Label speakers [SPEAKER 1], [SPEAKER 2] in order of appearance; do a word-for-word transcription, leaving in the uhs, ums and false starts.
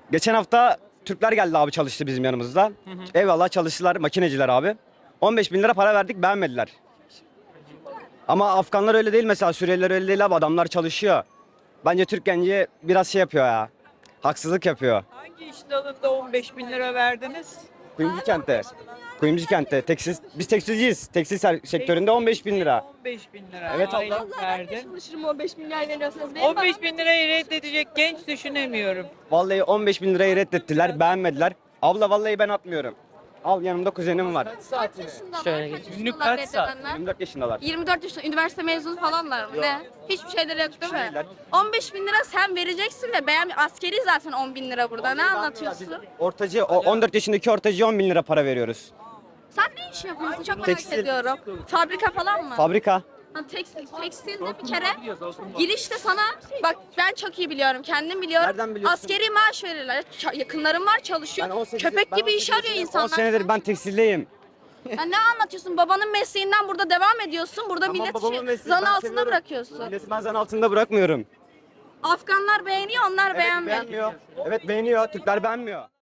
[SPEAKER 1] Geçen hafta Türkler geldi abi, çalıştı bizim yanımızda. Hı hı. Eyvallah, çalıştılar, makineciler abi. on beş bin lira para verdik, beğenmediler. Ama Afganlar öyle değil mesela, Suriyeliler öyle değil abi, adamlar çalışıyor. Bence Türk genci biraz şey yapıyor ya. Haksızlık yapıyor.
[SPEAKER 2] Hangi iş dalında on beş bin lira verdiniz?
[SPEAKER 1] Kuyumcu kentte. Kuyumcu kentte. Tekstil, biz tekstilciyiz. Tekstil ser- sektöründe on beş bin lira.
[SPEAKER 2] on beş bin lira.
[SPEAKER 1] Evet abla.
[SPEAKER 2] Aylık
[SPEAKER 3] Vallahi ben de
[SPEAKER 2] verdin.
[SPEAKER 3] çalışırım on beş milyar veriyorsanız. Benim
[SPEAKER 2] on beş bin lirayı reddedecek genç düşünemiyorum.
[SPEAKER 1] Vallahi on beş bin lirayı reddettiler, beğenmediler. Abla vallahi ben atmıyorum. Al, yanımda kuzenim var.
[SPEAKER 3] kaç yaşındalar?
[SPEAKER 4] Şöyle
[SPEAKER 3] Kaç
[SPEAKER 4] geçeyim.
[SPEAKER 2] Günlük
[SPEAKER 3] yaşındalar
[SPEAKER 2] kaç saat?
[SPEAKER 3] reddedenler?
[SPEAKER 1] yirmi dört yaşındalar.
[SPEAKER 3] yirmi dört yaşında üniversite mezunu falanlar mı? Ne? Hiçbir şeyleri yok değil mi?
[SPEAKER 1] şeyler.
[SPEAKER 3] on beş bin lira sen vereceksin ve beğen askeri zaten on bin lira burada. Ne anlatıyorsun?
[SPEAKER 1] Ortacı, o on dört yaşındaki ortacıya on bin lira para veriyoruz.
[SPEAKER 3] Sen ne iş yapıyorsun? Çok merak
[SPEAKER 1] Tekstil.
[SPEAKER 3] ediyorum. Fabrika falan mı?
[SPEAKER 1] Fabrika.
[SPEAKER 3] Ha, tekstil. Tekstilde bir kere girişte sana bak ben çok iyi biliyorum. Kendim biliyorum.
[SPEAKER 1] Nereden biliyorsun?
[SPEAKER 3] Askeri maaş verirler. Ç- yakınlarım var çalışıyor.
[SPEAKER 1] Ben on sekiz
[SPEAKER 3] Köpek
[SPEAKER 1] ben
[SPEAKER 3] gibi
[SPEAKER 1] on
[SPEAKER 3] iş
[SPEAKER 1] sekiz
[SPEAKER 3] arıyor
[SPEAKER 1] yaşındayım.
[SPEAKER 3] insanlar.
[SPEAKER 1] on senedir ben tekstildeyim.
[SPEAKER 3] Ya ne anlatıyorsun? Babanın mesleğinden burada devam ediyorsun. Burada
[SPEAKER 1] Tamam,
[SPEAKER 3] milleti
[SPEAKER 1] babamın
[SPEAKER 3] şey-
[SPEAKER 1] mesleği,
[SPEAKER 3] zan
[SPEAKER 1] ben
[SPEAKER 3] altında
[SPEAKER 1] seviyorum.
[SPEAKER 3] bırakıyorsun.
[SPEAKER 1] Milleti ben zan altında bırakmıyorum.
[SPEAKER 3] Afganlar beğeniyor, onlar
[SPEAKER 1] Evet,
[SPEAKER 3] beğenmiyor.
[SPEAKER 1] beğenmiyor. Evet, beğeniyor. Türkler beğenmiyor.